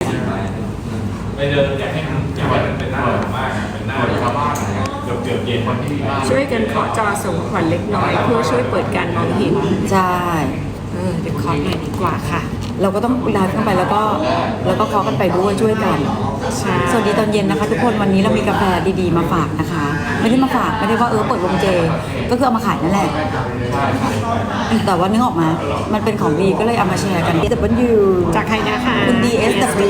ไปเดินอยากให้มันเป็นหน้าของมากเป็นหน้าชาวบ้านเกือบเย็นวันที่บ้านช่วยกันเคาะจอส่งขวัญเล็กน้อยเพื่อช่วยเปิดการมองเห็นใช่เดี๋ยวเคาะหน่อยดีกว่าค่ะเราก็ต้องไลฟ์เข้าไปแล้วก็เคาะกันไปด้วยช่วยกันสวัสดีตอนเย็นนะคะทุกคนวันนี้เรามีกาแฟดีๆมาฝากนะคะไม่ได้มาฝากไม่ได้ว่าเปิดวงเจก็คือเอามาขายนั่นแหละแต่ว่านึกออกมามันเป็นของดีก็เลยเอามาแชร์กันที่DW จากใครนะคะคุณ DSW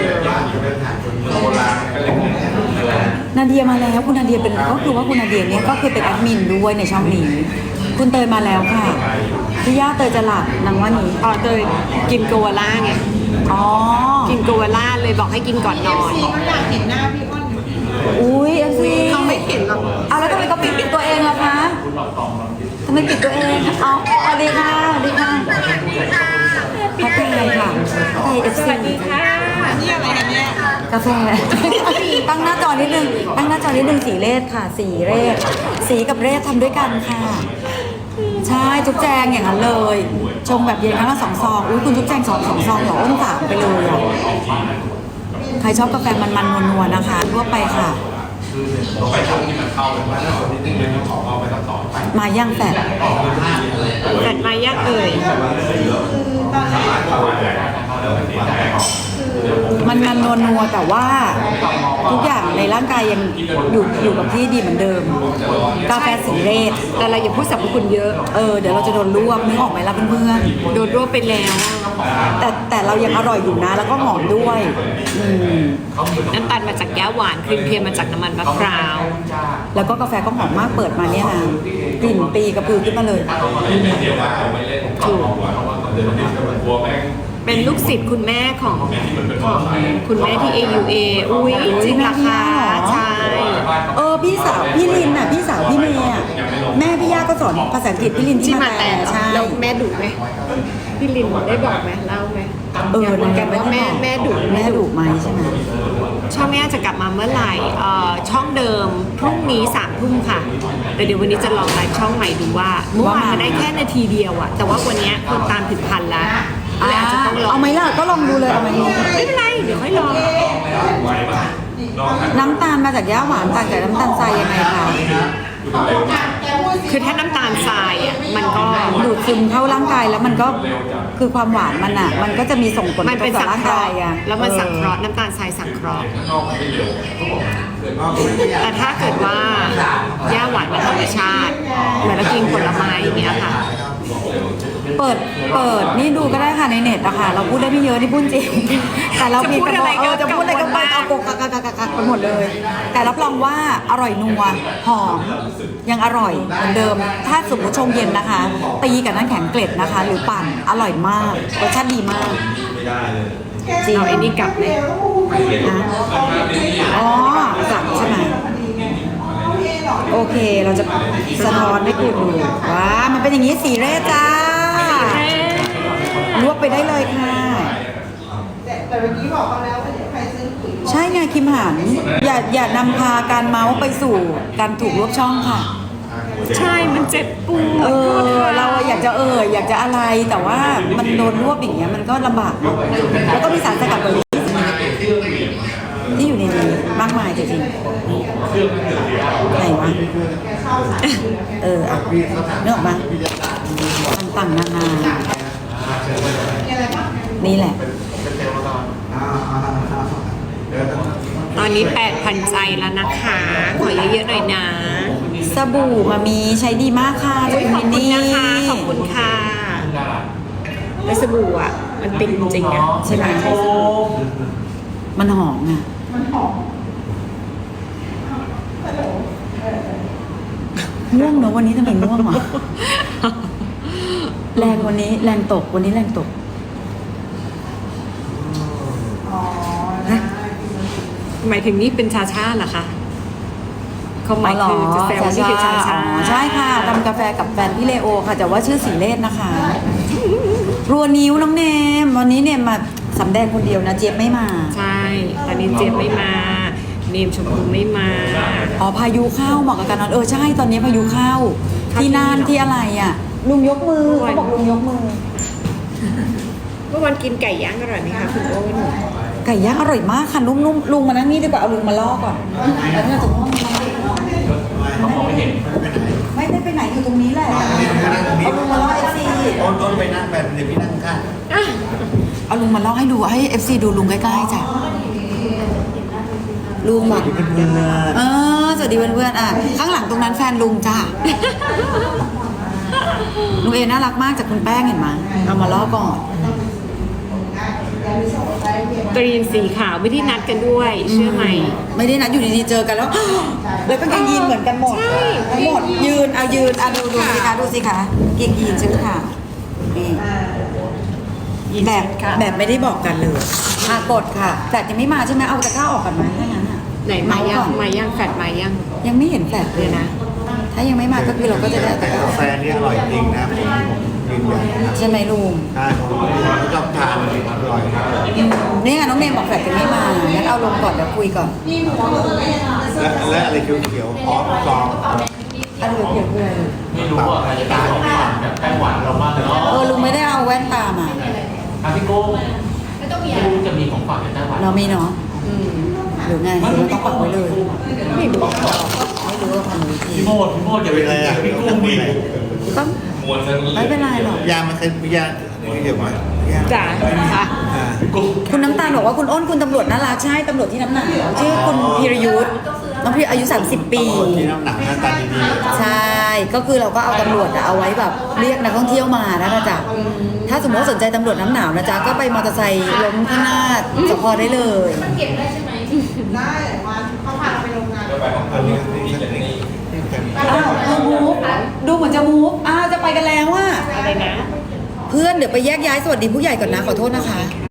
นาเดียมาแล้วคุณนาเดียเป็นก็คือว่าคุณนาเดียเนี่ยก็คือเป็นแอดมินด้วยในช่องนี้คุณเตยมาแล้วค่ะพี่ย่าเตยจะหลับนางว่านี้เตยกินโกวาล่าไงกินโกวาล่าเลยบอกให้กินก่อนนอนเขาอยากเห็นหน้าพี่อ้นอุ้ยเขาไม่เห็นหรอกเอาแล้วทำไมเขาปิดตัวเองล่ะคะทำไมปิดตัวเองเอาสวัสดีค่ะสวัสดีค่ะพัทไทยค่ะไทยFC สวัสดีค่ะนี่อะไรกันเนี่ยกาแฟตั้งหน้าจอนิดนึงสีเลศค่ะสีเรศสีกับเรศทำด้วยกันค่ะใช่จุ๊บแจงอย่างนั้นเลยชงแบบเย็นครั้งละ2 ซองอุ้ยคุณจุ๊บแจง2 ซองเหรออ้น3ไปเลยอ่ะใครชอบกาแฟมันๆนัวๆนะคะทั่วไปค่ะไปทำที่มันเข้ากันมาแล้วนิดนึงเลยขอเอาไปต่อมาย่างแฟดมาย่างมันนัวแต่ว่าทุกอย่างในร่างกายยังอยู่กับที่ดีเหมือนเดิมกาแฟสีเรศแต่เราอย่าพูดสรรพคุณเยอะเดี๋ยวเราจะโดนรวบนึกออกไหมล่ะเพื่อนๆโดนรวบไปแล้วแต่เรายังอร่อยอยู่นะแล้วก็หอมด้วยน้ำตาลมาจากแก้วหวานครีมเทียมมาจากน้ำมันมะพร้าวแล้วก็กาแฟก็หอมมากเปิดมาเนี่ยนะกลิ่นปีกระพือขึ้นมาเลยถูกเป็นลูกศิษย์คุณแม่ของคุณแม่ที่ AUA อุ้ยจริงราคาใช่พี่สาวพี่ลินน่ะพี่สาวพี่เมย์อ่ะแม่พี่ย่าก็สอนภาษาอังกฤษพี่ลินที่มาแต่ใช่แล้วแม่ดุไหมพี่ลินได้บอกไหมเล่าไหมนะกันว่าแม่ดุไหมใช่ไหมช่องแม่จะกลับมาเมื่อไหร่ช่องเดิมพรุ่งนี้3 ทุ่มค่ะแต่เดี๋ยววันนี้จะลองไลฟ์ช่องใหม่ดูว่าเมื่อวานมาได้แค่นาทีเดียวอะแต่ว่าวันนี้คนตามถึง1,000แล้วอาจจะต้องลองเอาไหมล่ะก็ลองดูเลยเอาไหมไม่เป็นไรเดี๋ยวค่อยลองน้ำตาลมาจากย่าหวานต่างจากน้ำตาลทรายยังไงคะคือถ้าน้ำตาลทรายอ่ะมันก็ดูดซึมเข้าร่างกายแล้วมันก็คือความหวานมันอ่ะมันก็จะมีส่งผลต่อร่างกายอ่ะแล้วมันสังเคราะห์น้ำตาลทรายสังเคราะห์แต่ถ้าเกิดว่าย่าหวานเป็นธรรมชาติเหมือนเรากินผลไม้อย่างเงี้ยค่ะเปิดนี่ดูก็ได้ค่ะในเน็ตอะค่ะเราพูดได้ไม่เยอะนี่พูดจริงแต่เราพูดอะไรจะพูดอะไรก็ไปเอากกไปหมดเลยแต่รับรองว่าอร่อยนัวหอมยังอร่อยเหมือนเดิมถ้าสมมติชงเย็นนะคะตีกับน้ำแข็งเกล็ดนะคะหรือปั่นอร่อยมากรสชาติดีมากจริงเอาไอ้นี่กลับเลยนะกลับใช่ไหมโอเคเราจะสะท้อนให้คุณดูว้ามันเป็นอย่างนี้สีเรศจ้ารวบไปได้เลยค่ะแต่เมื่อกี้บอกเขาแล้วว่าเดี๋ยวใครซื้อปุ๋ยใช่ไงคิมหันอย่านำพาการเมาส์ไปสู่การถูกรวบช่องค่ะใช่มันเจ็บปวดเราอยากจะอะไรแต่ว่ามันโดนรวบอย่างเงี้ยมันก็ลำบากแล้วก็มีสารสกัดเบอร์รี่ที่อยู่ในนี้มากมายจริงๆไหนวะนึกออกมาต่างๆนานานี่แหละตอนนี้ 8,000 ใจแล้วนะคะขอเยอะๆหน่อยนะสบู่มามีใช้ดีมากค่ะขอบคุณนะคะขอบคุณค่ะแล้วสบู่อ่ะมันติดจริงๆอ่ะใช่ไหมมันหอมอ่ะง่วงเนอะวันนี้ทำไมง่วงอ่ะแรงวันนี้แรงตกวันนี้แรงตกหมายถึงนี่เป็นชาชาเหรอคะเขาหมายถึงจะแซวว่านี่คือชาชาใช่ค่ะทำกาแฟกับแฟนพี่เลโอค่ะแต่ว่าชื่อสีเลศนะคะรัวนิ้วน้องเนมวันนี้เนมมาสำแดงคนเดียวนะเจี๊ยบไม่มาใช่ตอนนี้เจี๊ยบไม่มาเนมชมพูไม่มาพายุเข้าเหมาะกับการนอนใช่ตอนนี้พายุเข้าที่น่านที่อะไรอ่ะลุงยกมือเขาบอกลุงยกมือเมื่อวันกินไก่ย่างอร่อยไหมคะคุณโอ้นไก่ย่างอร่อยมากค่ะนุ่มๆลุงมานั่งนี่ดีกว่าเอาลุงมาล่อก่อนแล้วเนี่ยจะง่วงไหมเขามองไม่เห็นไม่ได้ไปไหนอยู่ตรงนี้แหละเอาลุงมาล่อ FC ต้นไปนั่งแบบเดี๋ยวพี่นั่งข้างเอาลุงมาล่อให้ดูให้ FC ดูลุงใกล้ๆจ้ะลุงแบบเพื่อนสวัสดีเพื่อนๆอ่ะข้างหลังตรงนั้นแฟนลุงจ้ะลุงเอน่ารักมากจากคุณแป้งเห็นไหมเอามาล่อก่อนกรีนสีขาวไม่ได้นัดกันด้วยเชื่อไหมไม่ได้นัดอยู่ดีๆเจอกันแล้ว แล้วก็กางเกงยีนเหมือนกันหมดใช่ทั้งหมดยืนดูสิคะดูสิคะเกงยีนชื่อค่ะนี่แบบไม่ได้บอกกันเลยกดค่ะแฟลตยังไม่มาใช่ไหมเอาตะกร้าออกก่อนไหมถ้างั้นอ่ะไหนมายังก่อนมายังแฟดมายังยังไม่เห็นแฟลตเลยนะ ถ้ายังไม่มาก็คือเราก็จะได้เอาตะกร้าออกๆแฟนนี่อร่อยจริงนะผมยืนยันนะครับใช่ไหมลุงใช่ผมชอบทานอร่อยครับนี่ไงน้องเนมบอกแฟลตยังไม่มางั้นเอาลงก่อนเดี๋ยวคุยก่อนและอะไรเขียวๆอ๋อซองอันเหลือเพียงเลยไม่รู้ว่าใครจะตามของแบบแป้งหวานเราบ้างเลยเนาะลุงไม่ได้เอาแว่นตามาพี่โก้ไม่รู้จะมีของฝากในไต้หวันเรามีเนาะหรือไงหรือเราต้องปักไว้เลยไม่รู้ไม่รู้ว่าทำวิธีพี่โมดอย่าไปอะไรพี่กุ้งดิต้องมวนซะเลยไม่เป็นไรหรอกยามันเคยยาเดี๋ยวมาจ้ะค่ะกุ้งคุณน้ำตาลบอกว่าคุณอ้นคุณตำรวจน่ารักใช่ตำรวจที่น้ำหนาวชื่อคุณพีรยุทธ์น้องพีอายุ 30 ปีที่น้ำหนักหน้าตาดีใช่ ก็คือเราก็เอาตำรวจเอาไว้แบบเรียกนักท่องเที่ยวมานะจ๊ะถ้าสมมติว่าสนใจตำรวจน้ำหนาวนะจ๊ะก็ไปมอเตอร์ไซค์ล้มข้างหน้าสพได้เลยได้วันเขาพาเราไปโรงงานๆอันนี้นี่อ้าวมูฟดูเหมือนจะมูฟอ้าวจะไปกันแล้วอะอะไรนะเพื่อนเดี๋ยวไปแยกย้ายสวัสดีผู้ใหญ่ก่อนนะขอโทษนะคะ